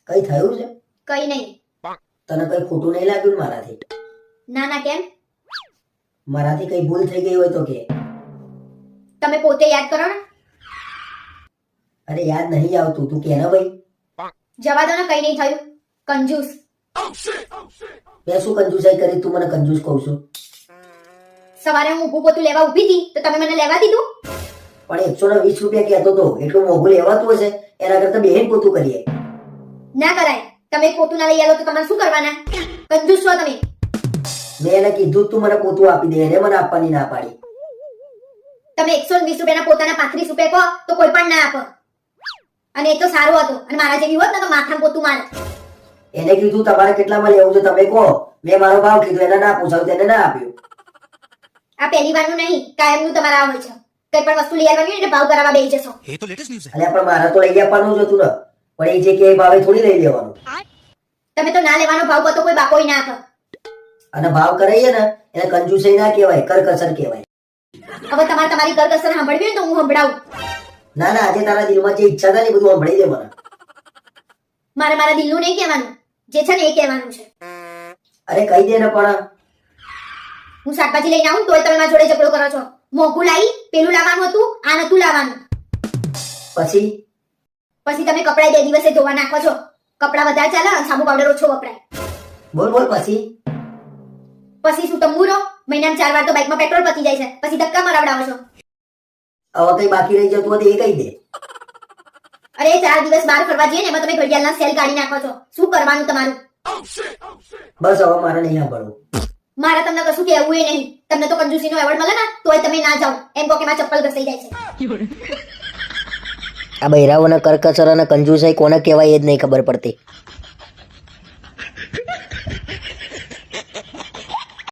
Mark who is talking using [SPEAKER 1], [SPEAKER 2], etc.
[SPEAKER 1] કઈ થયું છે?
[SPEAKER 2] કઈ નહીં.
[SPEAKER 1] તને કઈ ખોટું નહીં લાગ્યું ને મારાથી?
[SPEAKER 2] ના ના કેમ?
[SPEAKER 1] મારાથી કઈ ભૂલ થઈ ગઈ હોય તો કે.
[SPEAKER 2] તમે પોતે યાદ કરો ને.
[SPEAKER 1] અરે યાદ નહીં આવતું, તું કે ને ભાઈ.
[SPEAKER 2] જવા દો ને, કઈ નહીં થયું. કંજૂસ.
[SPEAKER 1] મેં શું કંજૂસાઈ કરી? તું મને કંજૂસ કહું છું?
[SPEAKER 2] સવારે હું ઊભું પોતું લેવા ઊભી હતી તો તમે મને લેવા દીધું.
[SPEAKER 1] પણ 120 રૂપિયા કહેતો તો, એટલું મોંઘું લેવાતું હશે? એના કરતા બેહીન પોતું કરીએ.
[SPEAKER 2] ના કરાય. તમે પોતું ના લઈ આવો તો તમારે શું કરવાના? કંજૂસ છો તમે.
[SPEAKER 1] મેં એને કીધું તું મને પોતું આપી દે, એને મને આપવાની ના પાડી.
[SPEAKER 2] તમે 120 રૂપિયાના પોતાના 35 રૂપિયા કહો તો કોઈ પણ ના આપો. અને એ તો સારું હતું. અને મારા જેવી હોત ને તો માથામાં પોતું મારે.
[SPEAKER 1] એને કીધું તમારે કેટલામાં લેવું છે તમે કહો. મેં મારો ભાવ કીધું, એને ના પૂછાયું, તેને ના આપ્યું.
[SPEAKER 2] આ પહેલી વારનું નહીં, કાયમનું તમારા આ હોય છે. કઈ પણ વસ્તુ લઈ આવવાની હોય એટલે ભાવ કરાવવા બેસી જશો.
[SPEAKER 3] ये तो लेटेस्ट न्यूज़ है।
[SPEAKER 1] અલ્યા પણ મારે તો લઈ આપવાનું જ હતું ને. પણ એ જે કે એ ભાવે થોડી લઈ લેવાનું.
[SPEAKER 2] તમે તો ના લેવાનો ભાવ કહો તો કોઈ બાપોય ના આપે.
[SPEAKER 1] અને ભાવ કરાઈએ ને એને કંજૂસાઈ ના કહેવાય, કરકસર કહેવાય.
[SPEAKER 2] હવે તમારે તમારી કરકસર સાંભળવી હોય ને તો હું સંભળાવું.
[SPEAKER 1] ના ના, આજે તારા દિલમાં જે ઈચ્છા થાય ને એ બધું સંભળાઈ દે મને.
[SPEAKER 2] મારે મારા દિલનું નહીં કહેવાનું, જે છે ને એ કહેવાનું છે.
[SPEAKER 1] અરે કહી દે ને પણ.
[SPEAKER 2] હું શાકભાજી લઈને આવું ને તોય તમે મારા જોડે ઝઘડો કરો છો. મોંઘું લાવી, પેલું લાવવાનું હતું, આ નતું લાવવાનું.
[SPEAKER 1] પછી
[SPEAKER 2] પછી તમે કપડાં 2 દિવસે ધોવા નાખો છો. કપડાં વધારે ચાલે અને સાબુ પાવડર ઓછો વપરાય.
[SPEAKER 1] બોલ બોલ પછી.
[SPEAKER 2] પછી શું તંબુરો? મહિનામાં 4 વાર તો બાઇકમાં પેટ્રોલ પતી જાય છે, પછી ધક્કા મરાવડાવો છો.
[SPEAKER 1] હવે કઈ બાકી રહી જતું હોય તો એ કહી દે.
[SPEAKER 2] અરે 4 દિવસ બહાર ફરવા જઈએ ને એમાં તમે ઘડિયાળના સેલ કાઢી નાખો છો. શું કરવાનું તમારું?
[SPEAKER 1] બસ હવે મારે નહીં સાંભળવું.
[SPEAKER 2] મારે તમને કશું કહેવું એ નહીં. તમને તો કંજૂસીનો એવોર્ડ મળે ને તોય તમે ના જાઓ. એમ કહો કે મારા ચપ્પલ ઘસાઈ જાય છે.
[SPEAKER 1] આ બૈરાઓને કરકસર અને કંજૂસાઈ કોને કહેવાય એ જ નહીં ખબર પડતી.